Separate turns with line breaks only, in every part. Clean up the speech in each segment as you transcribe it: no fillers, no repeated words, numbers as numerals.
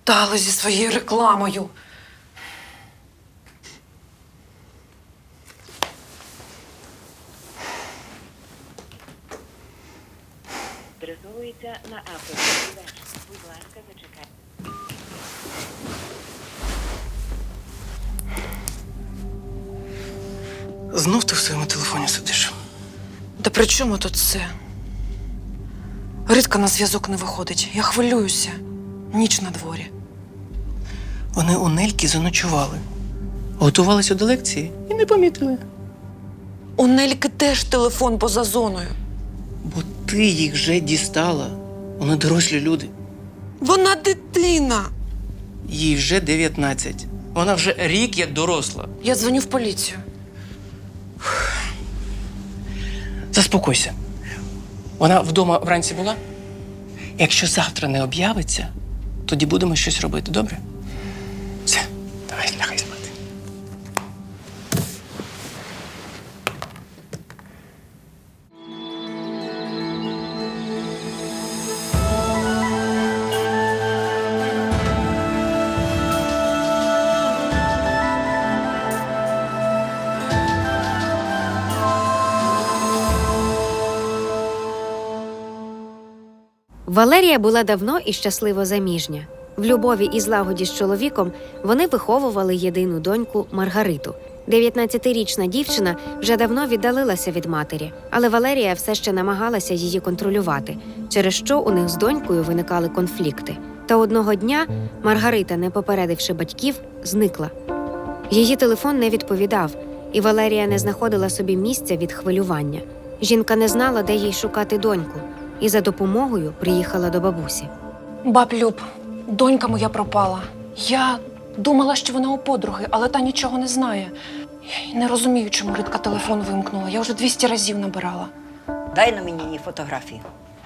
Достали зі своєю рекламою.
Адресовується на Apple. Будь ласка, зачекайте.
Знов ти в своєму телефоні сидиш.
Та при чому тут це? Ритка на зв'язок не виходить. Я хвилююся. Ніч на дворі.
Вони у Нельки заночували. Готувалися до лекції і не помітили.
У Нельки теж телефон поза зоною.
Бо ти їх вже дістала. Вони дорослі люди.
Вона дитина.
Їй вже 19. Вона вже рік як доросла.
Я дзвоню в поліцію.
Заспокойся. Вона вдома вранці була? Якщо завтра не об'явиться, тоді будемо щось робити, добре? Все, давай, лягай спати.
Валерія була давно і щасливо заміжня. В любові і злагоді з чоловіком вони виховували єдину доньку Маргариту. 19-річна дівчина вже давно віддалилася від матері, але Валерія все ще намагалася її контролювати, через що у них з донькою виникали конфлікти. Та одного дня Маргарита, не попередивши батьків, зникла. Її телефон не відповідав, і Валерія не знаходила собі місця від хвилювання. Жінка не знала, де їй шукати доньку, і за допомогою приїхала до бабусі.
Баб Люб, донька моя пропала. Я думала, що вона у подруги, але та нічого не знає. Я й не розумію, чому Ритка телефон вимкнула. Я вже 200 разів набирала.
Дай на мені її фотографію.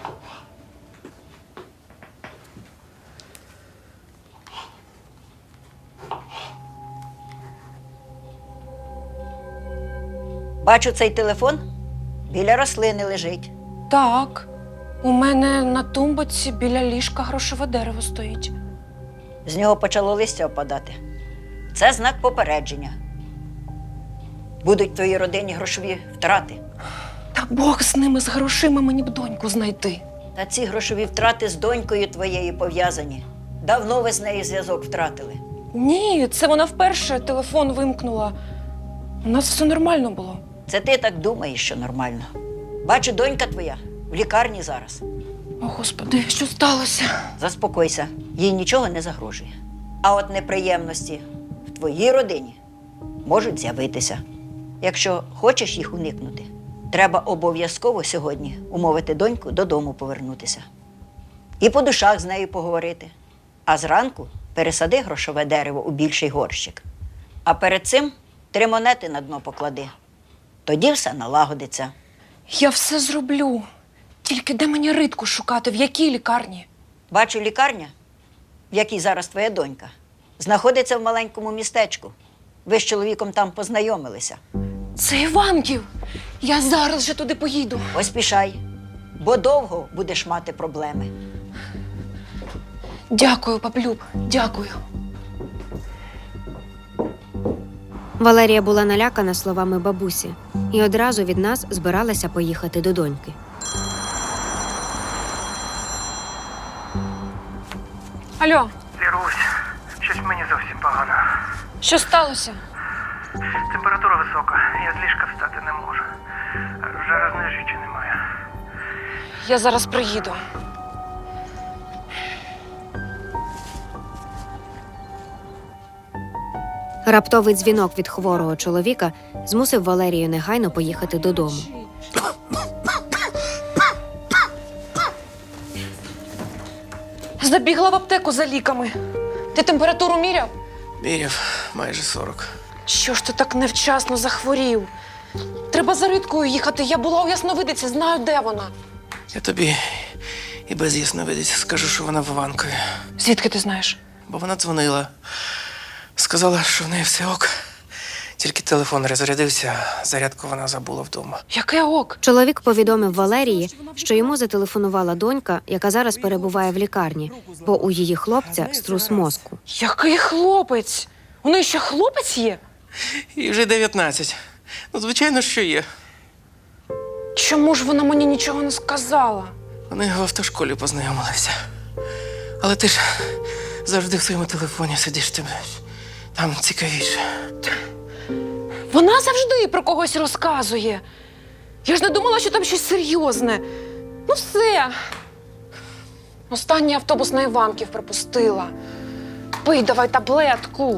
Бачу, цей телефон біля рослини лежить.
Так, у мене на тумбочці біля ліжка грошове дерево стоїть.
З нього почало листя опадати. Це знак попередження. Будуть в твоїй родині грошові втрати.
Та Бог з ними, з грошима, мені б доньку знайти.
Та ці грошові втрати з донькою твоєю пов'язані. Давно ви з нею зв'язок втратили.
Ні, це вона вперше телефон вимкнула. У нас все нормально було.
Це ти так думаєш, що нормально. Бачу, донька твоя в лікарні зараз.
О, Господи, що сталося?
Заспокойся, їй нічого не загрожує. А от неприємності в твоїй родині можуть з'явитися. Якщо хочеш їх уникнути, треба обов'язково сьогодні умовити доньку додому повернутися. І по душах з нею поговорити. А зранку пересади грошове дерево у більший горщик. А перед цим 3 монети на дно поклади. Тоді все налагодиться.
Я все зроблю. Тільки де мені Ритку шукати, в якій лікарні?
Бачу, лікарня, в якій зараз твоя донька, знаходиться в маленькому містечку. Ви з чоловіком там познайомилися.
Це Іванків. Я зараз же туди поїду.
Поспішай, бо довго будеш мати проблеми.
Дякую, Баблюб, дякую.
Валерія була налякана словами бабусі і одразу від нас збиралася поїхати до доньки.
Алло,
Вірусь, щось мені зовсім погано.
що сталося?
Температура висока, я з ліжка встати не можу. Жарозної жічі немає.
Я зараз приїду.
Раптовий дзвінок від хворого чоловіка змусив Валерію негайно поїхати додому.
Забігла в аптеку за ліками. Ти температуру міряв?
Міряв майже 40.
Що ж ти так невчасно захворів? Треба за Риткою їхати. Я була у Ясновидиці, знаю, де вона.
Я тобі і без ясновидиці скажу, що вона в Іванкові.
Звідки ти знаєш?
Бо вона дзвонила. Сказала, що в неї все ок. Тільки телефон розрядився, зарядку вона забула вдома.
Яке ок?
Чоловік повідомив Валерії, що йому зателефонувала донька, яка зараз перебуває в лікарні, бо у її хлопця струс мозку.
Який хлопець? У неї ще хлопець є?
І вже 19. Ну, звичайно, що є.
Чому ж вона мені нічого не сказала?
Вони в автошколі познайомилися. Але ти ж завжди в своєму телефоні сидиш, там цікавіше.
Вона завжди про когось розказує. Я ж не думала, що там щось серйозне. Ну все. Останній автобус на Іванків пропустила. Пий давай таблетку.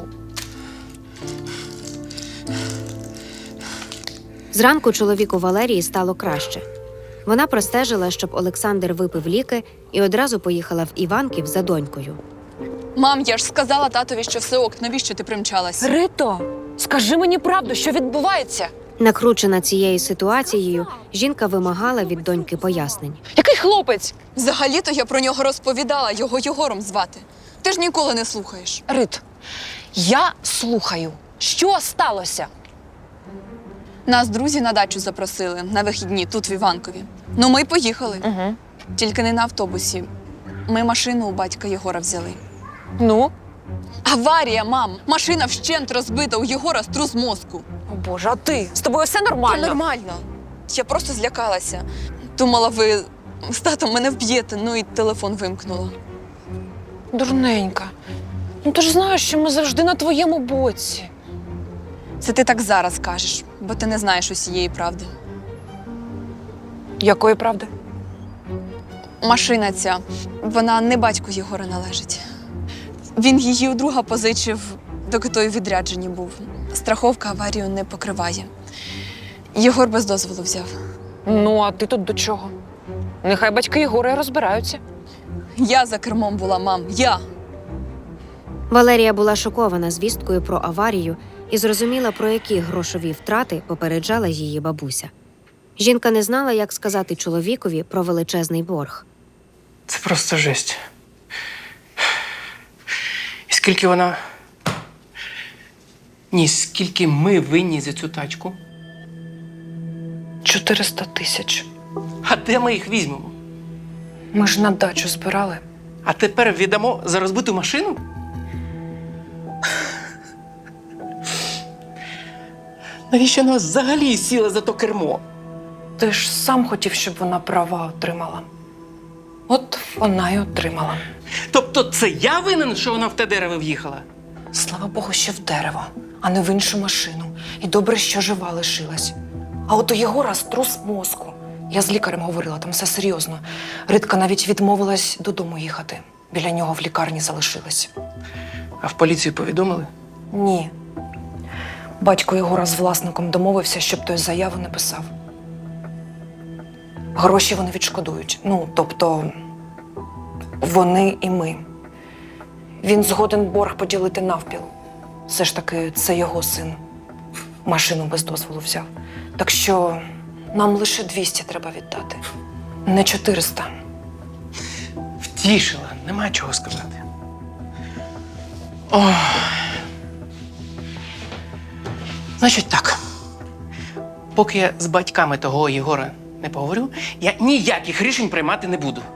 Зранку чоловіку Валерії стало краще. Вона простежила, щоб Олександр випив ліки і одразу поїхала в Іванків за донькою.
Мам, я ж сказала татові, що все ок, навіщо ти примчалась?
Рито, скажи мені правду, що відбувається?
Накручена цією ситуацією, жінка вимагала від доньки пояснень.
Який хлопець?
Взагалі-то я про нього розповідала, його Єгором звати. Ти ж ніколи не слухаєш.
Рит, я слухаю. Що сталося?
Нас друзі на дачу запросили на вихідні тут в Іванкові. Ну, ми й поїхали.
Угу.
Тільки не на автобусі. Ми машину у батька Єгора взяли.
Ну?
Аварія, мам! Машина вщент розбита, у Єгора струс мозку.
О Боже, а ти? З тобою все нормально?
Та нормально. Я просто злякалася. Думала, ви з татом мене вб'єте, ну і телефон вимкнула.
Дурненька. Ну ти ж знаєш, що ми завжди на твоєму боці.
Це ти так зараз кажеш, бо ти не знаєш усієї правди.
Якої правди?
Машина ця, вона не батьку Єгора належить. Він її у друга позичив, доки той у відрядженні був. Страховка аварію не покриває. Єгор без дозволу взяв.
Ну, а ти тут до чого? Нехай батьки Єгора і розбираються.
Я за кермом була, мам, я.
Валерія була шокована звісткою про аварію і зрозуміла, про які грошові втрати попереджала її бабуся. Жінка не знала, як сказати чоловікові про величезний борг.
Це просто жесть. І скільки вона. Ні, скільки ми винні за цю тачку?
400 тисяч.
А де ми їх візьмемо?
Ми ж на дачу збирали.
А тепер віддамо за розбиту машину? Навіщо нас взагалі сіла за то кермо?
Ти ж сам хотів, щоб вона права отримала. От вона й отримала.
Тобто це я винен, що вона в те дерево в'їхала?
Слава Богу, що в дерево, а не в іншу машину. І добре, що жива лишилась. А от у Єгора струс мозку. Я з лікарем говорила, там все серйозно. Ритка навіть відмовилась додому їхати. Біля нього в лікарні залишилась.
А в поліцію повідомили?
Ні. Батько Єгора з власником домовився, щоб той заяву не писав. Гроші вони відшкодують. Ну, тобто, вони і ми. Він згоден борг поділити навпіл. Все ж таки, це його син. Машину без дозволу взяв. Так що нам лише 200 треба віддати. Не 400.
Втішила, нема чого сказати. Ох. Значить так. Поки я з батьками того Єгора не поговорю, я ніяких рішень приймати не буду.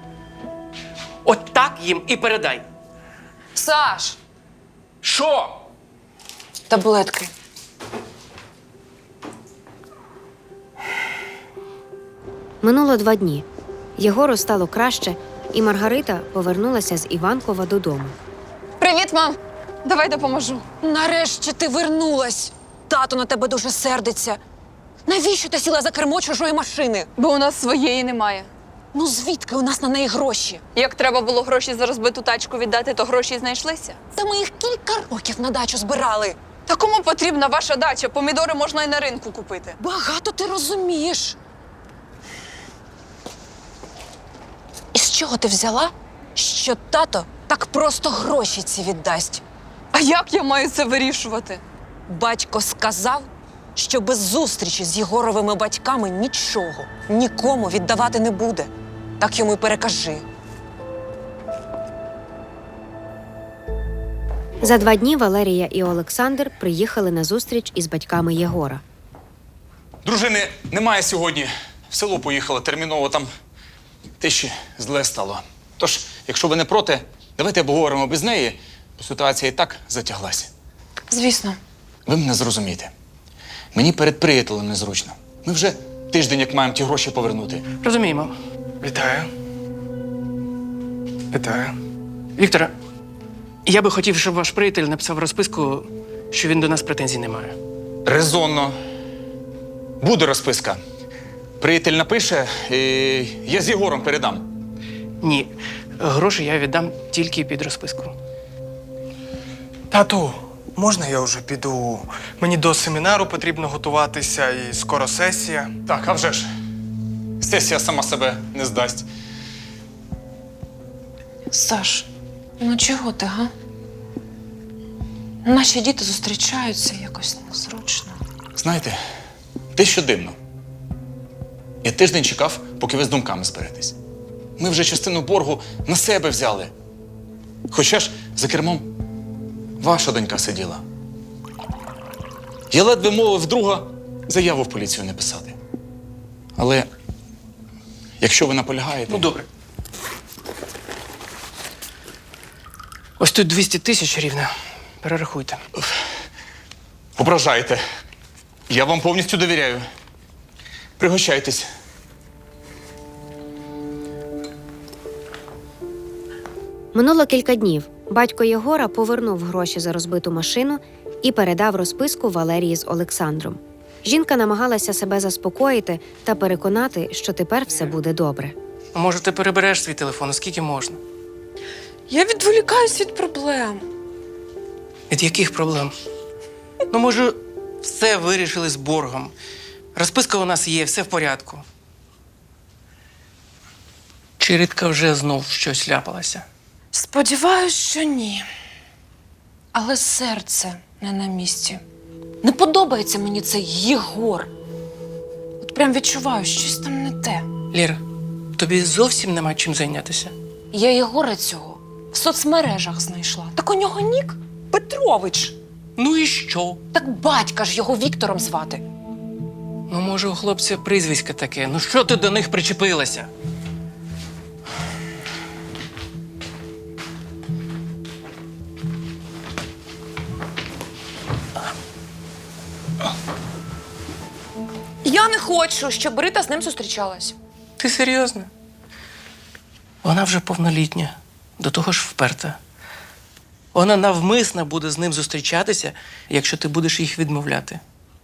От так їм і передай.
Саш!
Що?
Таблетки.
Минуло 2 дні. Єгору стало краще, і Маргарита повернулася з Іванкова додому.
Привіт, мам! Давай допоможу.
Нарешті ти вернулась. Тато на тебе дуже сердиться. Навіщо ти сіла за кермо чужої машини?
Бо у нас своєї немає.
Ну звідки у нас на неї гроші?
Як треба було гроші за розбиту тачку віддати, то гроші й знайшлися.
Та ми їх кілька років на дачу збирали.
Та кому потрібна ваша дача? Помідори можна й на ринку купити.
Багато ти розумієш. І з чого ти взяла, що тато так просто гроші ці віддасть?
А як я маю це вирішувати?
Батько сказав, що без зустрічі з Єгоровими батьками нічого, нікому віддавати не буде. Так йому й перекажи.
За 2 дні Валерія і Олександр приїхали на зустріч із батьками Єгора.
Дружини немає сьогодні. В село поїхала терміново, там тиші зле стало. Тож, якщо ви не проти, давайте обговоримо без неї, бо ситуація і так затяглася.
Звісно.
Ви мене зрозумієте. Мені перед приятелем незручно. Ми вже тиждень, як маємо ті гроші повернути.
Розуміємо.
Вітаю. Вітаю.
Вікторе, я би хотів, щоб ваш приятель написав розписку, що він до нас претензій не має.
Резонно. Буде розписка. Приятель напише, і я з Єгором передам.
Ні, гроші я віддам тільки під розписку.
Тату, можна я вже піду? Мені до семінару потрібно готуватися і скоро сесія.
Так, а вже ж. Сесія сама себе не здасть.
Саш, ну чого ти, га? Наші діти зустрічаються якось незручно.
Знаєте, те, що дивно. Я тиждень чекав, поки ви з думками зберетесь. Ми вже частину боргу на себе взяли. Хоча ж за кермом ваша донька сиділа. Я ледве мовив друга заяву в поліцію не писати. Але якщо ви наполягаєте...
Ну, добре. Ось тут 200 тисяч рівно. Перерахуйте.
Ображаєте. Я вам повністю довіряю. Пригощайтесь.
Минуло кілька днів. Батько Єгора повернув гроші за розбиту машину і передав розписку Валерії з Олександром. Жінка намагалася себе заспокоїти та переконати, що тепер все буде добре.
Може, ти перебереш свій телефон, скільки можна?
Я відволікаюсь від проблем.
Від яких проблем? Ну, може, все вирішили з боргом. Розписка у нас є, все в порядку. Чи Ритка вже знов щось ляпалася?
Сподіваюсь, що ні. Але серце не на місці. Не подобається мені цей Єгор. От прям відчуваю, щось там не те.
Ліра, тобі зовсім нема чим зайнятися?
Я Єгора цього в соцмережах знайшла. Так у нього нік Петрович.
Ну і що?
Так батька ж його Віктором звати.
Ну, може, у хлопця прізвисько таке. Ну що ти до них причепилася?
Я не хочу, щоб Рита з ним зустрічалась.
Ти серйозно? Вона вже повнолітня, до того ж вперта. Вона навмисно буде з ним зустрічатися, якщо ти будеш їх відмовляти.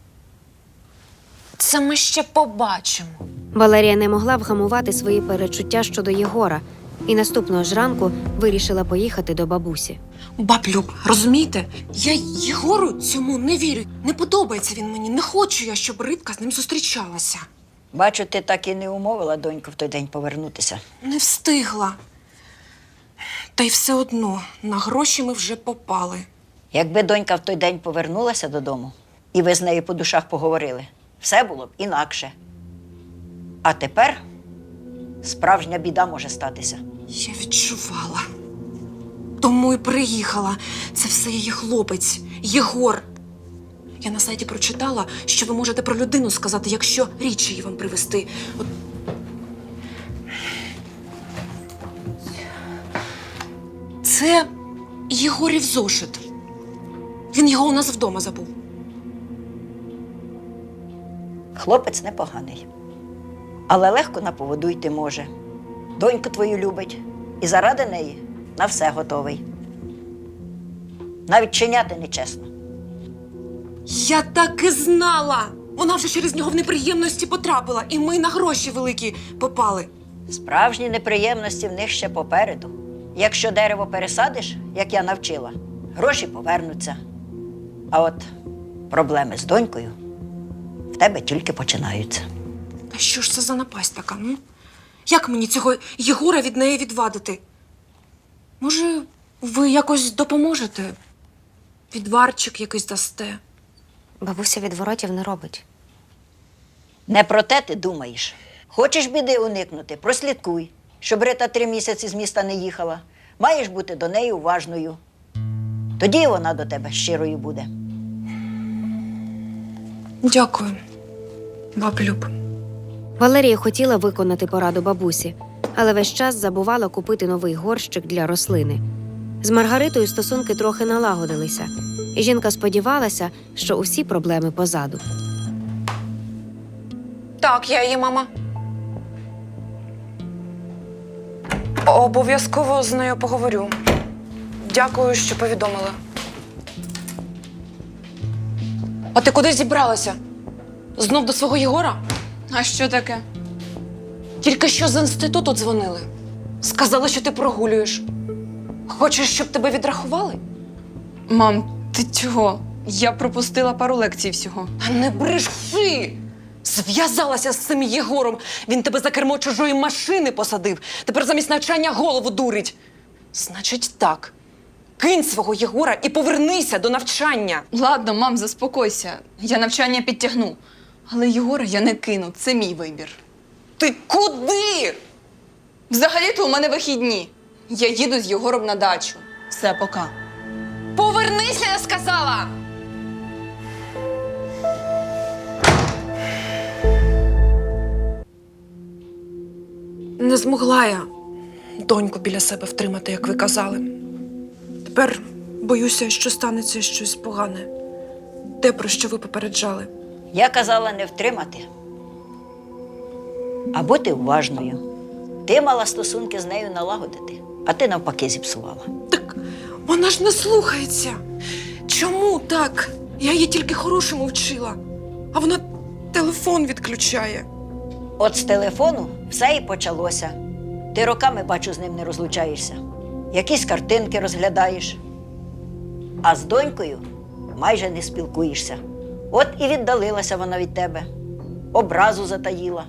Це ми ще побачимо.
Валерія не могла вгамувати свої перечуття щодо Єгора і наступного ж ранку вирішила поїхати до бабусі.
Баблюк, розумієте? Я Єгору цьому не вірю. Не подобається він мені. Не хочу я, щоб Ритка з ним зустрічалася.
Бачу, ти так і не умовила доньку в той день повернутися.
Не встигла. Та й все одно, на гроші ми вже попали.
Якби донька в той день повернулася додому, і ви з нею по душах поговорили, все було б інакше. А тепер справжня біда може статися.
Я відчувала. Тому й приїхала. Це все її хлопець, Єгор. Я на сайті прочитала, що ви можете про людину сказати, якщо річ її вам привезти. От... Це Єгорів зошит. Він його у нас вдома забув.
Хлопець непоганий, але легко на поводу йти може. Доньку твою любить і заради неї на все готовий. Навіть чиняти нечесно.
Я так і знала! Вона вже через нього в неприємності потрапила, і ми на гроші великі попали.
Справжні неприємності в них ще попереду. Якщо дерево пересадиш, як я навчила, гроші повернуться. А от проблеми з донькою в тебе тільки починаються.
Та що ж це за напасть така, ну? Як мені цього Єгора від неї відвадити? Може, ви якось допоможете? Відварчик якийсь дасте?
Бабуся відворотів не робить.
Не про те ти думаєш. Хочеш біди уникнути, прослідкуй, щоб Рита 3 місяці з міста не їхала. Маєш бути до неї уважною. Тоді вона до тебе щирою буде.
Дякую, баблюб.
Валерія хотіла виконати пораду бабусі, але весь час забувала купити новий горщик для рослини. З Маргаритою стосунки трохи налагодилися, і жінка сподівалася, що усі проблеми позаду.
Так, я її мама. Обов'язково з нею поговорю. Дякую, що повідомила. А ти куди зібралася? Знов до свого Єгора?
А що таке?
Тільки що з інституту дзвонили. Сказали, що ти прогулюєш. Хочеш, щоб тебе відрахували?
Мам, ти чого? Я пропустила пару лекцій всього.
Та не бреши! Зв'язалася з цим Єгором. Він тебе за кермо чужої машини посадив. Тепер замість навчання голову дурить. Значить так. Кинь свого Єгора і повернися до навчання.
Ладно, мам, заспокойся. Я навчання підтягну. Але Єгора я не кину, це мій вибір.
Ти куди?
Взагалі-то у мене вихідні. Я їду з Єгором на дачу. Все, пока.
Повернися, я сказала! Не змогла я доньку біля себе втримати, як ви казали. Тепер боюся, що станеться щось погане. Те, про що ви попереджали.
Я казала не втримати, а бути уважною. Ти мала стосунки з нею налагодити, а ти навпаки зіпсувала.
Так вона ж не слухається. Чому так? Я її тільки хорошому вчила, а вона телефон відключає.
От з телефону все і почалося. Ти роками, бачу, з ним не розлучаєшся. Якісь картинки розглядаєш. А з донькою майже не спілкуєшся. От і віддалилася вона від тебе. Образу затаїла.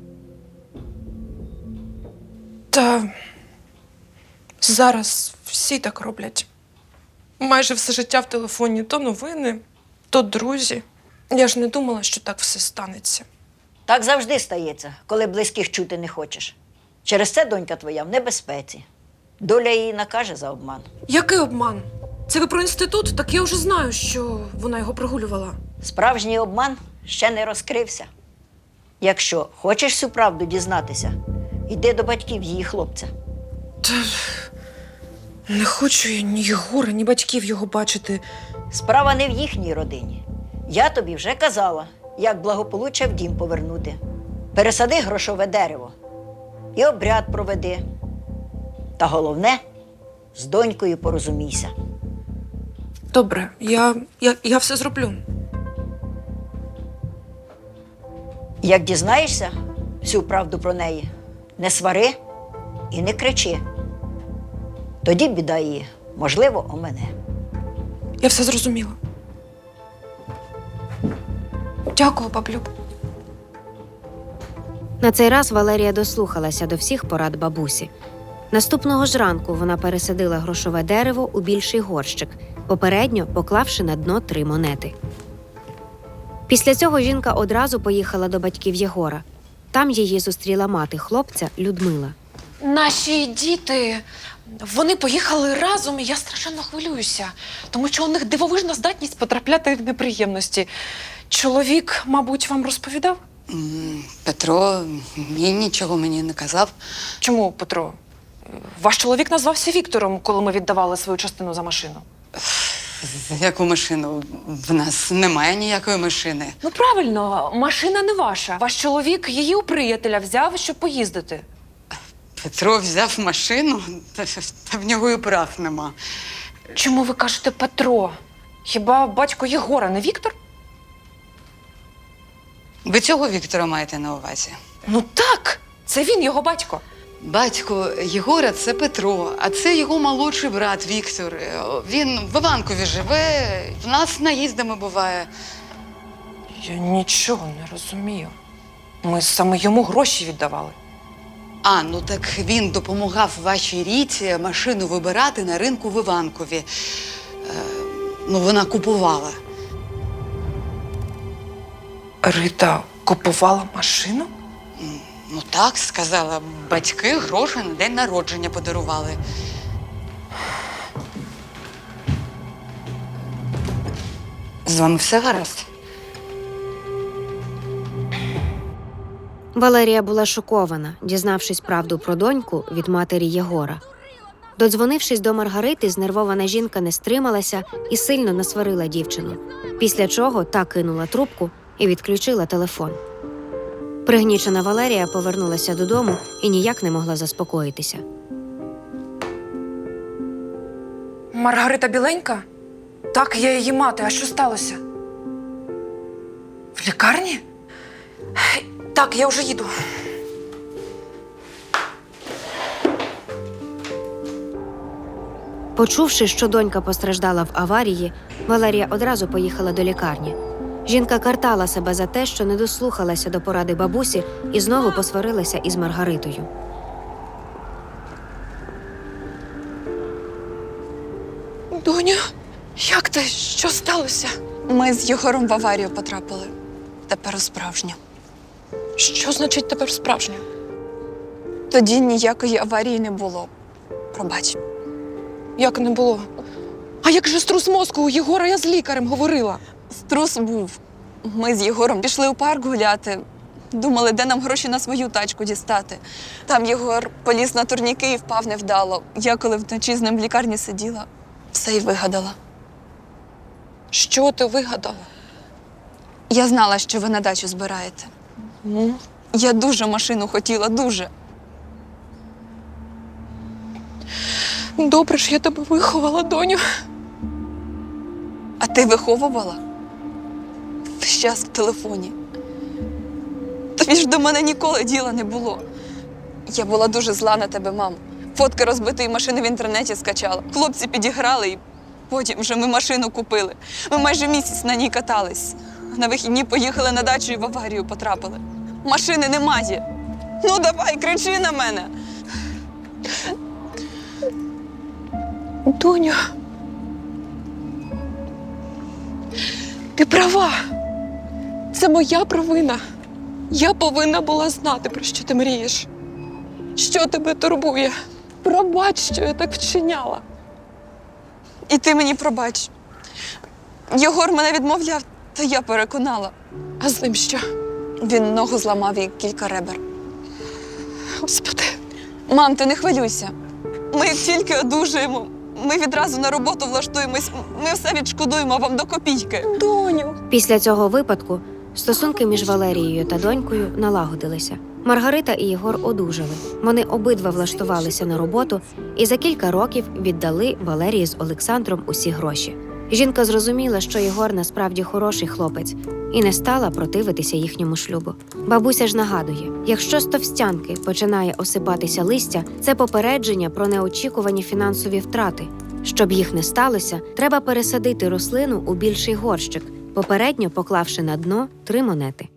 Та зараз всі так роблять. Майже все життя в телефоні то новини, то друзі. Я ж не думала, що так все станеться.
Так завжди стається, коли близьких чути не хочеш. Через це донька твоя в небезпеці. Доля її накаже за обман.
Який обман? Це ви про інститут? Так я вже знаю, що вона його прогулювала.
Справжній обман ще не розкрився. Якщо хочеш всю правду дізнатися, йди до батьків її хлопця.
Та не хочу я ні Єгора, ні батьків його бачити.
Справа не в їхній родині. Я тобі вже казала, як благополуччя в дім повернути. Пересади грошове дерево і обряд проведи. Та головне, з донькою порозумійся.
Добре, я все зроблю.
Як дізнаєшся всю правду про неї, не свари і не кричи. Тоді біда її, можливо, омине.
Я все зрозуміла. Дякую, баблюб.
На цей раз Валерія дослухалася до всіх порад бабусі. Наступного ж ранку вона пересадила грошове дерево у більший горщик, попередньо поклавши на дно 3 монети. Після цього жінка одразу поїхала до батьків Єгора. Там її зустріла мати хлопця Людмила.
Наші діти, вони поїхали разом, і я страшенно хвилююся, тому що у них дивовижна здатність потрапляти в неприємності. Чоловік, мабуть, вам розповідав?
Петро нічого мені не казав.
Чому, Петро? Ваш чоловік назвався Віктором, коли ми віддавали свою частину за машину.
Яку машину? В нас немає ніякої машини.
Ну, правильно, машина не ваша. Ваш чоловік її у приятеля взяв, щоб поїздити.
Петро взяв машину, та в нього і прав нема.
Чому ви кажете Петро? Хіба батько Єгора не Віктор?
Ви цього Віктора маєте на увазі?
Ну так, це він, його батько.
Батько Єгора – це Петро, а це його молодший брат Віктор. Він в Іванкові живе, в нас наїздами буває.
Я нічого не розумію. Ми саме йому гроші віддавали.
А, ну так він допомагав вашій Ріті машину вибирати на ринку в Іванкові. Ну, вона купувала.
Рита купувала машину?
Ну так, сказала, батьки гроші на день народження подарували. З вами все гаразд?
Валерія була шокована, дізнавшись правду про доньку від матері Єгора. Додзвонившись до Маргарити, знервована жінка не стрималася і сильно насварила дівчину, після чого та кинула трубку і відключила телефон. Пригнічена Валерія повернулася додому і ніяк не могла заспокоїтися.
Маргарита біленька? Так, я її мати. А що сталося? В лікарні? Так, я вже їду.
Почувши, що донька постраждала в аварії, Валерія одразу поїхала до лікарні. Жінка картала себе за те, що не дослухалася до поради бабусі і знову посварилася із Маргаритою.
Доню, як ти? Що сталося? Ми з Єгором в аварію потрапили. Тепер справжня. Що значить тепер справжня? Тоді ніякої аварії не було. Пробач.
Як не було? А як же струс мозку у Єгора? Я з лікарем говорила.
Струс був. Ми з Єгором пішли у парк гуляти. Думали, де нам гроші на свою тачку дістати. Там Єгор поліз на турніки і впав невдало. Я, коли вночі з ним в лікарні сиділа, все й вигадала.
Що ти вигадала?
Я знала, що ви на дачу збираєте. Я дуже машину хотіла, дуже.
Добре ж я тебе виховала, доню.
А ти виховувала? Весь час в телефоні. Тобі ж до мене ніколи діла не було. Я була дуже зла на тебе, мам. Фотки розбитої машини в інтернеті скачала. Хлопці підіграли і потім вже ми машину купили. Ми майже місяць на ній катались. На вихідні поїхали на дачу і в аварію потрапили. Машини немає. Ну давай, кричи на мене.
Доню. Ти права. Це моя провина. Я повинна була знати, про що ти мрієш. Що тебе турбує? Пробач, що я так вчиняла.
І ти мені пробач. Єгор мене відмовляв, та я переконала.
А з ним що?
Він ногу зламав і кілька ребер.
Господи.
Мам, ти не хвилюйся. Ми як тільки одужаємо, ми відразу на роботу влаштуємось, ми все відшкодуємо вам до копійки.
Доню.
Після цього випадку стосунки між Валерією та донькою налагодилися. Маргарита і Єгор одужали. Вони обидва влаштувалися на роботу і за кілька років віддали Валерії з Олександром усі гроші. Жінка зрозуміла, що Єгор насправді хороший хлопець і не стала противитися їхньому шлюбу. Бабуся ж нагадує, якщо з товстянки починає осипатися листя, це попередження про неочікувані фінансові втрати. Щоб їх не сталося, треба пересадити рослину у більший горщик, попередньо поклавши на дно 3 монети.